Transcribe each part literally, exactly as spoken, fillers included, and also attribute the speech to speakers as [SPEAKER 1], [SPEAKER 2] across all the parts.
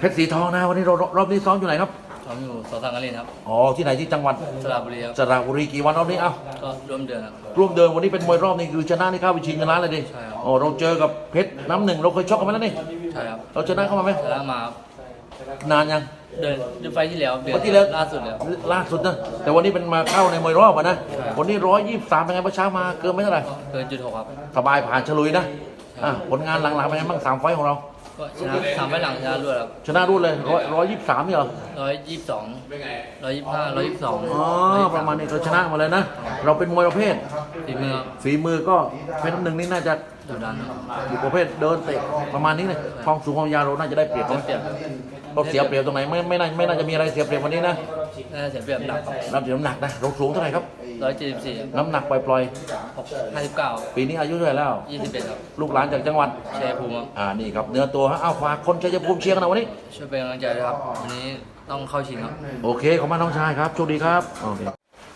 [SPEAKER 1] เพชรสีทองนะวันนี้เรารอบนี้ซ้อมอยู่ไหนครับ
[SPEAKER 2] ซ้อมอยู่สอสังกะลินครับ
[SPEAKER 1] อ๋อที่ไหนที่จังหวัด
[SPEAKER 2] สระบุรีครับ
[SPEAKER 1] สระบุรีกี่วันรอบนี้เอ้า
[SPEAKER 2] ก็ร่วมเดือนครับ
[SPEAKER 1] ร่วมเดินวันนี้เป็นมวยรอบนี้คือชนะนี่เข้าไปชิงชนะเลยดิ
[SPEAKER 2] ใช่ครับ
[SPEAKER 1] อ๋อเราเจอกับเพชรน้ำหนึ่งเราเคยชกกันไหมแล้วนี่
[SPEAKER 2] ใช่ครับ
[SPEAKER 1] เราชนะเข้ามาไหม
[SPEAKER 2] ชนะมาครับ
[SPEAKER 1] นานยัง
[SPEAKER 2] เดินเดือนไฟที่แล้วเดือน
[SPEAKER 1] วันที่แล้ว
[SPEAKER 2] ล่าสุดแล้ว
[SPEAKER 1] ล่าสุดนะแต่วันนี้เป็นมาเข้าในมวยรอบอะนะ
[SPEAKER 2] ใช่
[SPEAKER 1] วันนี้ร้อยยี่สิบสามเป็นไงเมื่อเช้ามาเกินไม่เท่าไหร่
[SPEAKER 2] เกินจุดหกครับ
[SPEAKER 1] สบายผ่านฉลุยนะอ่ะผลงานหลังๆเป็นไงบ้างสามไฟต์ของเรา
[SPEAKER 2] ก็ชนะสามไฟล์หลังชนะรวดครับ
[SPEAKER 1] ชนะรุ่นเลยร้อยร้อยยี่สิบสามนี่เหรอ
[SPEAKER 2] ร้อยยี่สิบสองร้อยยี่สิบห้าร้อยยี่สิบสอง
[SPEAKER 1] อ๋อประมาณนี้เราชนะหมาเลยนะ เราเป็นมวยประเภท
[SPEAKER 2] ฝีมือครับ
[SPEAKER 1] ฝีมือก็เพชรน้ำหนึ่งนี่น่าจะ
[SPEAKER 2] ดุดันครับ
[SPEAKER 1] อยู่ประเภทเดินเตะประมาณนี้เลยความสูงความยาวเราน่าจะได้เปรียบ
[SPEAKER 2] เสีย
[SPEAKER 1] นะ
[SPEAKER 2] เปรียบ
[SPEAKER 1] เราเสียเปรียบตรงไหนไม่ไม่น่าไม่น่าจะมีอะไรเสียเปรียบวันนี้นะ
[SPEAKER 2] น่าจะเสียเปรียบหนักครับ
[SPEAKER 1] รับน้ำหนักนะเราสูงเท่าไหร่ครับ
[SPEAKER 2] ร้อยเจ็ดสิบสี่
[SPEAKER 1] น้ำหนักปล่อย
[SPEAKER 2] ห้าสิบเก้า
[SPEAKER 1] ๆปีนี้อายุเท่าไหร่แล้ว
[SPEAKER 2] ยี่สิบเอ็ดครับ
[SPEAKER 1] ลูกหลานจากจังหวัด
[SPEAKER 2] ชัยภูมิครับ
[SPEAKER 1] อ่านี่ครับเนื้อตัวฮะเอาฝากคนชัยภูมิเชียร์กันหนะวันนี้
[SPEAKER 2] ช่วยเป็นกำลังใจด้วยครับวันนี้ต้องเข้าชิงครับ
[SPEAKER 1] โอเคขอบคุณน้องชายครับโชคดีครับโอเค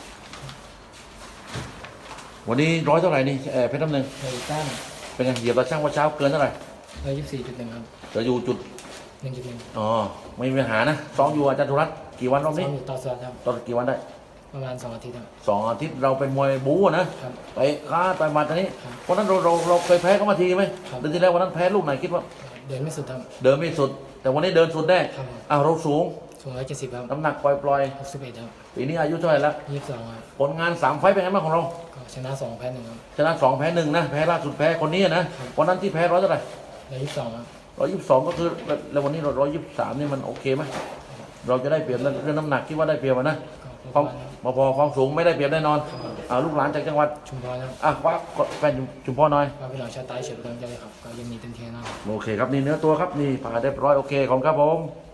[SPEAKER 1] วันนี้ร้อยเท่าไหร่นี่เอ่อเพชรน้ำหนึ่ง
[SPEAKER 3] ร้อยเก้า
[SPEAKER 1] เป็นไงเหยียบตาช่างว่าเช้าเกินเท่าไหร่
[SPEAKER 3] ร้อยยี่สิบสี่จุดหนึ่งครับ
[SPEAKER 1] จะอยู่จุด
[SPEAKER 3] หนึ่งจุดหนึ่ง
[SPEAKER 1] อ๋อไม่มีปัญหานะซ้อมอยู่อาจารย์ธุรัตน์กี่วันรอบ
[SPEAKER 3] ซ้อ
[SPEAKER 1] นี้
[SPEAKER 3] มอยู่ต่อสวัสดครับ
[SPEAKER 1] ตอนกี่วันได้
[SPEAKER 3] ประมาณสองอาทิตย์ครับ
[SPEAKER 1] สองอาทิตย์เราเป็นมวยบู๊อะนะครับ ไปค้าไปมาตอนนี้
[SPEAKER 3] ครับ
[SPEAKER 1] วันนั้นเราเราเราเคยแพ้เขามาทีไหม
[SPEAKER 3] ครับ
[SPEAKER 1] เดือนที่แล้ววันนั้นแพ้ลูกไหนคิดว่า
[SPEAKER 3] เดินไม่สุดครับ
[SPEAKER 1] เดินไม่สุด แต่วันนี้เดินสุดแน่
[SPEAKER 3] ครับ
[SPEAKER 1] อ้าวเราสูง
[SPEAKER 3] สูงร้อยเจ็ดสิบครับ
[SPEAKER 1] น้ำหนักปล่อยปล่อย
[SPEAKER 3] หกสิบเอ็ดครับ
[SPEAKER 1] ๆปีนี้อายุเท่าไหร่แล้ว
[SPEAKER 3] ยี่สิบสองครับ
[SPEAKER 1] ผลงานสามไฟต์เป็นไงบ้างของเรา
[SPEAKER 3] ก็ชนะสองแพ้หนึ่งครับ
[SPEAKER 1] ชนะสองแพ้หนึ่งนะแพ้ล่าสุดแพ้คนนี้นะวันนั้นที่แพ้ร้อยเท่าไหร่
[SPEAKER 3] ร้อยยี่สิบสองครับ
[SPEAKER 1] ร้อยยี่สิบสองก็คือแล้ววันนี้เราร้อยยี่สิบสามนี่มันโอเคไหมเราจะได้เปรียบเรื่องน้ำหนักคิดว่าได้เปรียบอะนะ
[SPEAKER 3] ก็
[SPEAKER 1] ความ
[SPEAKER 3] ประมาณครับ
[SPEAKER 1] พอความสูงไม่ได้เปรียบแน่นอนอ่าลูกหลานจากจังหวัด
[SPEAKER 3] ชุมพรครับ
[SPEAKER 1] อ่ะคว้าแฟนจุมพ่อหน่อย
[SPEAKER 3] ว่าพี่น้องชาวใต้เฉียดกำลังใจครับก็ยังมีเต็มที่แน่นอน
[SPEAKER 1] โอเคครับนี่เนื้อตัวครับนี่ผ่าเรียบร้อยโอเคขอบคุณครับผม